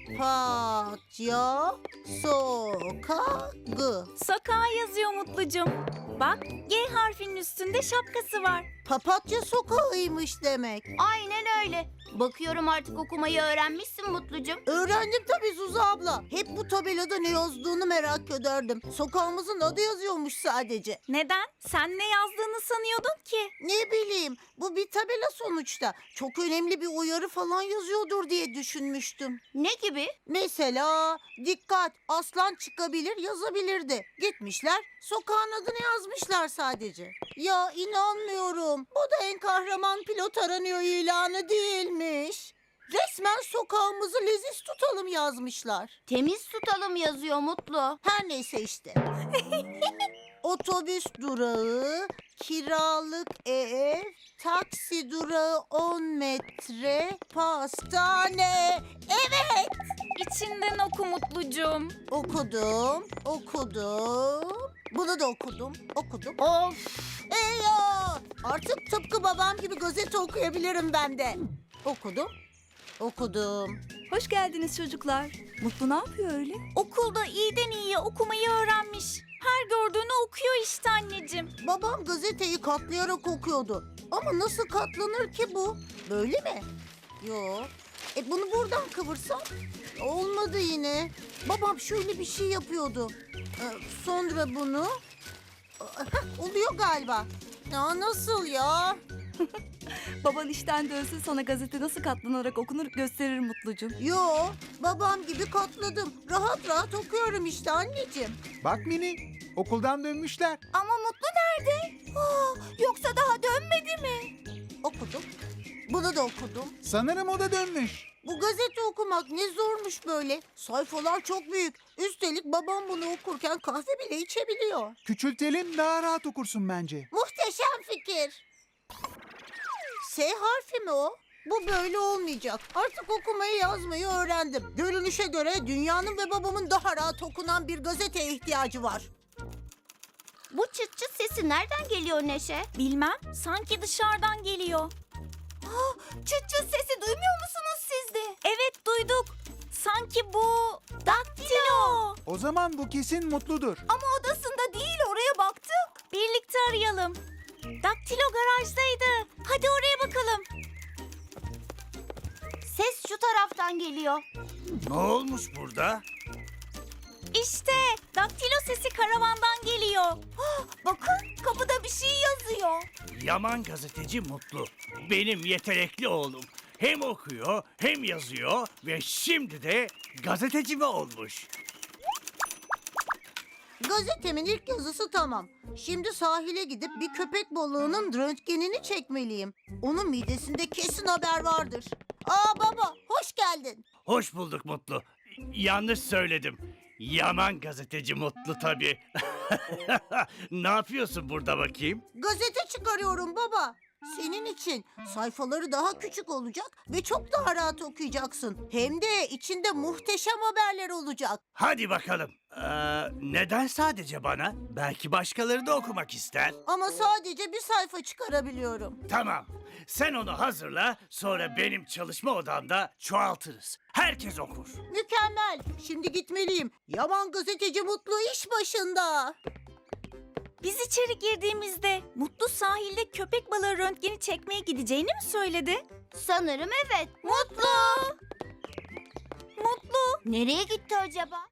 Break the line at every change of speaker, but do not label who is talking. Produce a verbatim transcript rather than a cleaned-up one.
Papatya sokağı.
Sokağa yazıyor Mutlucum. Bak, G harfinin üstünde şapkası var.
Papatya sokağıymış demek.
Aynen öyle. Bakıyorum artık okumayı öğrenmişsin Mutlucum.
Öğrendim tabii Zuzu abla. Hep bu tabelada ne yazdığını merak ederdim. Sokağımızın adı yazıyormuş sadece.
Neden? Sen ne yazdığını sanıyordun ki?
Ne bileyim, bu bir tabela sonuçta. Çok önemli bir uyarı falan yazıyordur diye düşünmüştüm.
Ne gibi?
Mesela dikkat, aslan çıkabilir yazabilirdi. Gitmişler, sokağın adını yazmışlar sadece. Ya inanmıyorum. Bu da en kahraman pilot aranıyor ilanı değilmiş. Resmen sokağımızı leziz tutalım yazmışlar.
Temiz tutalım yazıyor Mutlu.
Her neyse işte. Otobüs durağı, kiralık ev, taksi durağı on metre, pastane. Evet,
İçinden oku Mutlucum.
okudum, okudum. Bunu da okudum, okudum.
Of!
Ey ya! Artık tıpkı babam gibi gazete okuyabilirim ben de. Okudum, okudum.
Hoş geldiniz çocuklar. Mutlu ne yapıyor öyle?
Okulda iyiden iyiye okumayı öğrenmiş. Her gördüğünü okuyor işte anneciğim.
Babam gazeteyi katlayarak okuyordu. Ama nasıl katlanır ki bu? Böyle mi? Yo. E bunu buradan kıvırsam? Olmadı yine. Babam şöyle bir şey yapıyordu. Ee, sonra bunu... Heh, oluyor galiba. Ya nasıl ya?
Baban işten dönse sana gazete nasıl katlanarak okunur gösterir Mutlucum.
Yo, babam gibi katladım. Rahat rahat okuyorum işte anneciğim.
Bak Mini, okuldan dönmüşler.
Ama Mutlu nerede? Aa, yoksa daha dönmedi mi?
Okudum. Bunu da okudum.
Sanırım o da dönmüş.
Bu gazete okumak ne zormuş böyle. Sayfalar çok büyük. Üstelik babam bunu okurken kahve bile içebiliyor.
Küçültelim, daha rahat okursun bence.
Muhteşem fikir. S harfi mi o? Bu böyle olmayacak. Artık okumayı yazmayı öğrendim. Görünüşe göre dünyanın ve babamın daha rahat okunan bir gazeteye ihtiyacı var.
Bu çıt çıt sesi nereden geliyor Neşe?
Bilmem, sanki dışarıdan geliyor.
Çıt çıt sesi duymuyor musunuz siz de?
Evet, duyduk. Sanki bu daktilo.
O zaman bu kesin Mutludur.
Ama odasında değil, oraya baktık.
Birlikte arayalım. Daktilo garajdaydı. Hadi oraya bakalım.
Ses şu taraftan geliyor.
Ne olmuş burada?
İşte daktilo sesi karavandan geliyor.
Bakın, kapıda bir şey yazıyor.
Yaman gazeteci Mutlu. Benim yetenekli oğlum. Hem okuyor hem yazıyor ve şimdi de gazeteci mi olmuş?
Gazetemin ilk yazısı tamam. Şimdi sahile gidip bir köpek balığının röntgenini çekmeliyim. Onun midesinde kesin haber vardır. Aa baba, hoş geldin.
Hoş bulduk Mutlu. Yanlış söyledim. Yaman gazeteci Mutlu tabii. Ne yapıyorsun burada bakayım?
Gazete çıkarıyorum baba. Senin için sayfaları daha küçük olacak ve çok daha rahat okuyacaksın. Hem de içinde muhteşem haberler olacak.
Hadi bakalım. Ee, neden sadece bana? Belki başkaları da okumak ister.
Ama sadece bir sayfa çıkarabiliyorum.
Tamam. Sen onu hazırla, sonra benim çalışma odamda çoğaltırız. Herkes okur.
Mükemmel. Şimdi gitmeliyim. Yaman gazeteci Mutlu iş başında.
Biz içeri girdiğimizde Mutlu sahilde köpek balığı röntgeni çekmeye gideceğini mi söyledi?
Sanırım evet.
Mutlu! Mutlu!
Nereye gitti acaba?